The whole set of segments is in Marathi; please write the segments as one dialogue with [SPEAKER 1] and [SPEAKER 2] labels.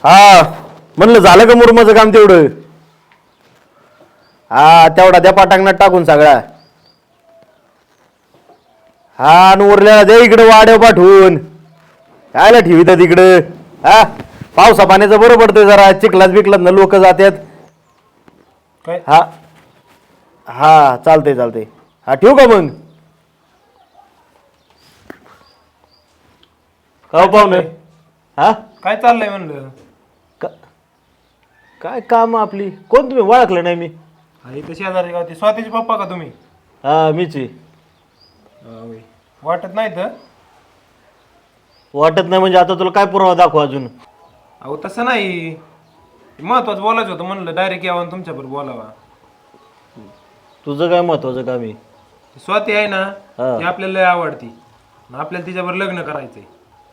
[SPEAKER 1] हा म्हणलं झालं का मुरमाचं काम तेवढं? हा तेवढा द्या पाटांगणात टाकून सगळा. हा आणि उरल्याला द्या इकडे वाड्या पाठवून. कायला ठेवितात इकडं? हा पावसा पाण्याचं बरं पडतंय जरा, चिखलात बिकलात ना लोक जातात.
[SPEAKER 2] काय
[SPEAKER 1] हा हा चालतंय चालतंय. हा ठेवू का मग? का पाहुणे? हा
[SPEAKER 2] काय चाललंय म्हणलं?
[SPEAKER 1] काय काम आपली? कोण तुम्ही? ओळखलं नाही मी.
[SPEAKER 2] हा इथं शेजारी गावती स्वातीचे पप्पा का तुम्ही?
[SPEAKER 1] हा मीच आहे.
[SPEAKER 2] होय. वाटत नाही तर
[SPEAKER 1] वाटत नाही म्हणजे आता तुला काय पुरावा दाखवू अजून?
[SPEAKER 2] अहो तसं नाही, महत्वाचं बोलायचं होतं म्हणलं, डायरेक्ट यावं तुमच्याबरोबर बोलावा.
[SPEAKER 1] तुझं काय महत्वाचं काम आहे?
[SPEAKER 2] स्वाती आहे ना,
[SPEAKER 1] हा.
[SPEAKER 2] ती आपल्याला लय आवडती आणि आपल्याला तिच्यावर लग्न करायचंय.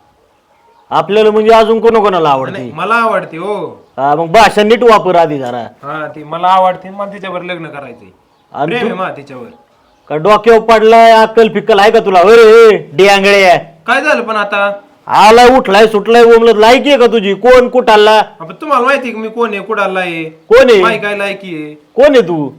[SPEAKER 1] आपल्याला म्हणजे अजून कोणाकोणाला आवडते?
[SPEAKER 2] नाही, मला आवडते हो.
[SPEAKER 1] हा मग भाषा नीट वापर आधी जरा.
[SPEAKER 2] हा ती मला आवडते, मला तिच्यावर लग्न करायचंय.
[SPEAKER 1] आणि
[SPEAKER 2] प्रेम आहे
[SPEAKER 1] तू
[SPEAKER 2] मा तिच्यावर.
[SPEAKER 1] का डोक्यावर पडलाय? अक्कल फिक्कल आहे का तुला? अरे डियांगळे
[SPEAKER 2] काय झालं पण आता?
[SPEAKER 1] आलाय उठलाय सुटलाय बोमलत लायकी आहे का तुझी? कोण कुठाला?
[SPEAKER 2] आपण तुम्हाला माहिती आहे की मी कोण आहे, कुडाला आहे,
[SPEAKER 1] कोण आहे?
[SPEAKER 2] माही काय लायकी आहे.
[SPEAKER 1] कोण आहे तू?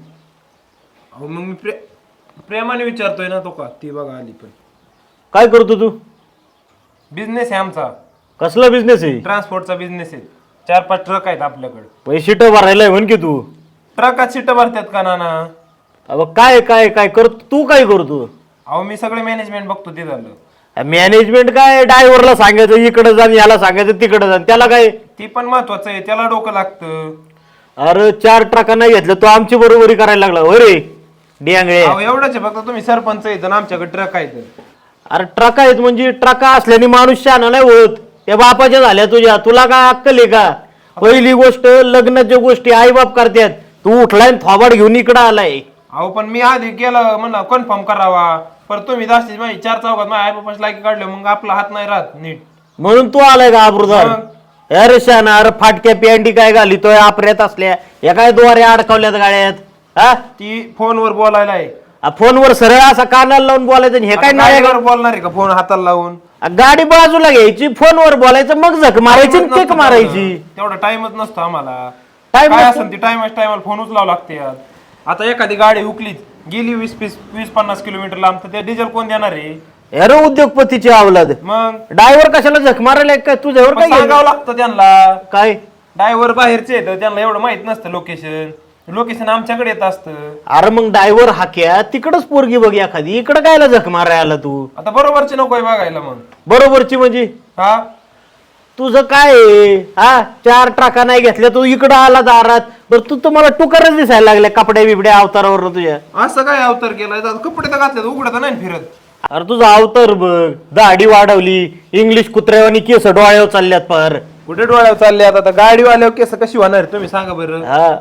[SPEAKER 2] अहो मग मी प्रेमाने विचारतोय ना, तो का ती बघा आली. पण
[SPEAKER 1] काय करतो तू?
[SPEAKER 2] बिझनेस आहे आमचा,
[SPEAKER 1] कसला बिझनेस आहे?
[SPEAKER 2] ट्रान्सपोर्टचा बिझनेस आहे. 4-5 ट्रक आहेत आपल्याकडे.
[SPEAKER 1] पैसे ट भरायला म्हण की तू.
[SPEAKER 2] ट्रकात सीट भरतात का नाना?
[SPEAKER 1] अबा काय काय काय करतो तू? काय करतो?
[SPEAKER 2] अहो मी सगळे मॅनेजमेंट बघतो. ते झालं
[SPEAKER 1] मॅनेजमेंट काय? ड्रायव्हरला सांगायचं इकडे जा, याला सांगायचं तिकडे जा, त्याला काय?
[SPEAKER 2] ती पण महत्वाचं आहे, त्याला डोकं लागतं.
[SPEAKER 1] अरे 4 ट्रका नाही घेतलं तो आमची बरोबरी करायला लागला अरे डियांगळे.
[SPEAKER 2] अहो एवढंच आहे फक्त, तुम्ही सरपंच आहेत आणि आमच्याकडे ट्रक आहेत.
[SPEAKER 1] अरे ट्रका आहेत म्हणजे ट्रका असल्याने माणूस शहाणा नाही होत. त्या बापाच्या झाल्या तुझ्या, तुला काय अक्कल आहे का? पहिली गोष्ट लग्नाच्या गोष्टी आई बाप करतात. तू उठलाय थोबाड घेऊन इकडं आलाय.
[SPEAKER 2] अहो पण मी आधी केलं म्हणा कन्फर्म करावा, पर तुम्ही जास्तीत माझी 4 चौघात माझ्या आई बापाची लायकी काढलं, मग आपला हात नाही राहत नीट.
[SPEAKER 1] म्हणून तू आलाय का आबरूदार? अरे शहाणा, अरे फाटक्या पॅन्टी काय घालितोय आपऱ्यात असल्या, या काय दोऱ्या अडकवल्यात गाड्यात? हा
[SPEAKER 2] ती फोनवर बोलायला आहे.
[SPEAKER 1] फोनवर सरळ असा कानाला लावून बोलायचं आणि हे काय नाही?
[SPEAKER 2] काय बोलणार आहे का फोन हाताला लावून?
[SPEAKER 1] गाडी बाजूला घ्यायची, फोनवर बोलायचं, मग झक मारायची आणि केक मारायची.
[SPEAKER 2] तेवढा टाइमच नसतो आम्हाला.
[SPEAKER 1] Time
[SPEAKER 2] काय
[SPEAKER 1] नसतो?
[SPEAKER 2] असेल ती टायमाला फोन उचलावं लागते यार. आता एखादी गाडी हुकलीच गेली 20-50 किलोमीटर लांब, तर ते डिझेल कोण देणार आहे?
[SPEAKER 1] अरे उद्योगपतीची अवलाद.
[SPEAKER 2] मग
[SPEAKER 1] ड्रायव्हर कशाला झक मारायला काय तुझ्यावर? काय
[SPEAKER 2] सांगावं लागतं त्यांना.
[SPEAKER 1] काय
[SPEAKER 2] ड्रायव्हर बाहेरचे येतं, त्यांना एवढं माहित नसतं लोकेशन आमच्याकडे येत असतं.
[SPEAKER 1] अरे मग ड्रायव्हर हाक्या तिकडच पोरगी बघ एखादी, इकडं कायला झक मारायला आला तू?
[SPEAKER 2] आता बरोबरचे नकोय बघायला मग.
[SPEAKER 1] बरोबरची म्हणजे
[SPEAKER 2] हा
[SPEAKER 1] तुझं काय आहे? हा 4 ट्रका नाही घेतल्या, तू इकडं आला दारात. बरं तू तर मला टुकारच दिसायला लागल्या कपड्या बिबड्या अवतारावर तुझ्या.
[SPEAKER 2] असं काय अवतार केलाय? आता कपडे तर घातले, उघडत नाही फिरत.
[SPEAKER 1] अरे तुझा अवतार बघ, दाढी वाढवली, इंग्लिश कुत्र्यावानी केस डोळ्यावर चालल्यात पार.
[SPEAKER 2] कुठे डोळ्यावर चालले आता? गाडीवाल्यावर केस कशी होणार तुम्ही सांगा बरं.
[SPEAKER 1] हा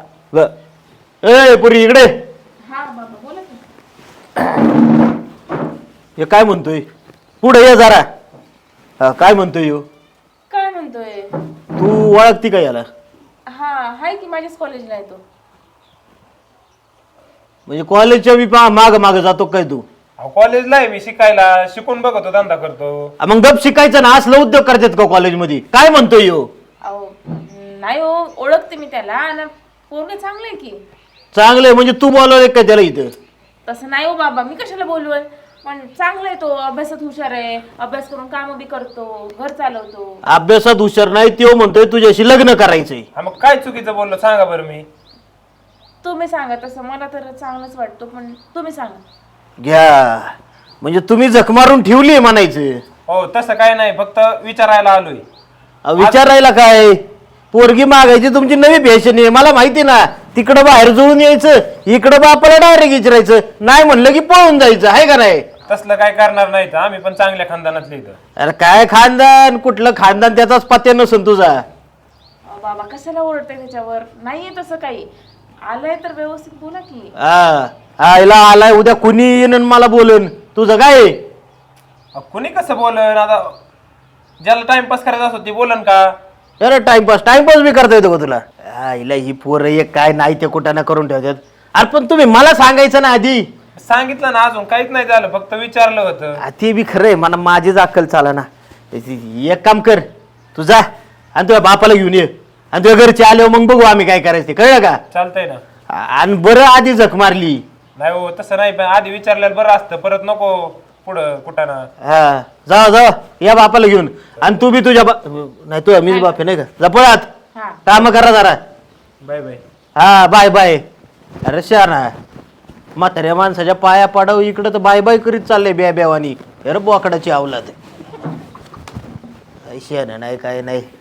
[SPEAKER 1] ए पुरी इकडे. हे काय म्हणतोय? पुढे ये जरा. हा काय म्हणतोय ह्यो?
[SPEAKER 3] काय म्हणतोय?
[SPEAKER 1] तू ओळखती का याला?
[SPEAKER 3] हा हाय की माझ्याच कॉलेजला आहे तो.
[SPEAKER 1] म्हणजे कॉलेजच्या बी माग माग जातो काय तू?
[SPEAKER 2] कॉलेजला आहे मी शिकायला, शिकून बघतो, धंदा करतो.
[SPEAKER 1] मग गप शिकायचं ना, असलं उद्योग करतात का कॉलेजमध्ये? काय म्हणतोय ह्यो?
[SPEAKER 3] अहो नाही हो, ओळखते मी त्याला आणि पोरगे चांगले आहे की.
[SPEAKER 1] चांगलंय म्हणजे तू बोलवलंय का त्याला इथं?
[SPEAKER 3] तसं नाही हो बाबा, मी कशाला बोलवल, पण चांगला आहे तो, अभ्यासात हुशार आहे, अभ्यास करून काम बी करतो, घर चालवतो.
[SPEAKER 1] अभ्यासात हुशार नाही तो म्हणतोय तुझ्याशी लग्न करायचंय.
[SPEAKER 2] हा मग काय चुकीचं बोललो सांगा बरं मी?
[SPEAKER 3] तुम्ही सांगा, तसं मला तर चांगलंच वाटतो, पण तुम्ही सांगा.
[SPEAKER 1] घ्या म्हणजे तुम्ही झक मारून ठेवली म्हणायचं.
[SPEAKER 2] हो तसं काय नाही, फक्त विचारायला आलोय.
[SPEAKER 1] विचारायला काय? पोरगी मागायची तुमची नवी फॅशन आहे, मला माहिती ना. तिकडं बाहेर जुळून यायचं, इकडं बापाला डायरेक्ट विचारायचं, नाही म्हणलं की पळून जायचं, आहे का नाही?
[SPEAKER 2] तसलं काय करणार नाही, आम्ही पण चांगल्या खानदानातले इथं.
[SPEAKER 1] अरे काय खानदान? कुठलं खानदान? त्याचाच पत्या नसून तुझा.
[SPEAKER 3] अहो बाबा कशाला ओरडते त्याच्यावर? नाहीये तसं काही. आलंय तर व्यवस्थित बोला की.
[SPEAKER 1] आईला आलाय, उद्या कुणी येईन आणि मला बोलन. तुझं काय?
[SPEAKER 2] कुणी कसं बोलन? आता ज्याला टाइमपास करायचा असतो ती बोलन का?
[SPEAKER 1] अरे टाइमपास बी करता येतो का तुला? आईला ही पोरं एक काय नाही ते कुठं ना करून ठेवतात. अरे पण तुम्ही मला सांगायचं ना आधी.
[SPEAKER 2] सांगितलं ना, अजून काहीच नाही झालं, फक्त विचारलं होतं.
[SPEAKER 1] ते बी खरंय, मला माझीच अक्कल चाला ना. एक काम कर, तू जा आणि तुझ्या बापाला घेऊन ये. आणि तुझ्या घरचे आल्यावर मग बघू आम्ही काय करायचं ते, कळलं का?
[SPEAKER 2] चालतंय ना.
[SPEAKER 1] आणि बरं आधी झक मारली.
[SPEAKER 2] नाही हो तसं नाही, पण आधी विचारलेलं बरं असतं, परत नको पुढं कुठं ना.
[SPEAKER 1] हा जावा या बापाला घेऊन. आणि तू बी तुझ्या नाही तुझ्या मीच बाप आहे नाही का, जपळात
[SPEAKER 3] हा
[SPEAKER 1] काम करा जरा.
[SPEAKER 2] Bye bye.
[SPEAKER 1] हा बाय बाय. अरे शहाणा म्हाताऱ्या माणसाच्या पाया पाडव इकडं तर बाय बाय करीत चाललंय ब्या ब्यावानी. अरे बोकडाची आवलाद. शहाणा नाही काय नाही.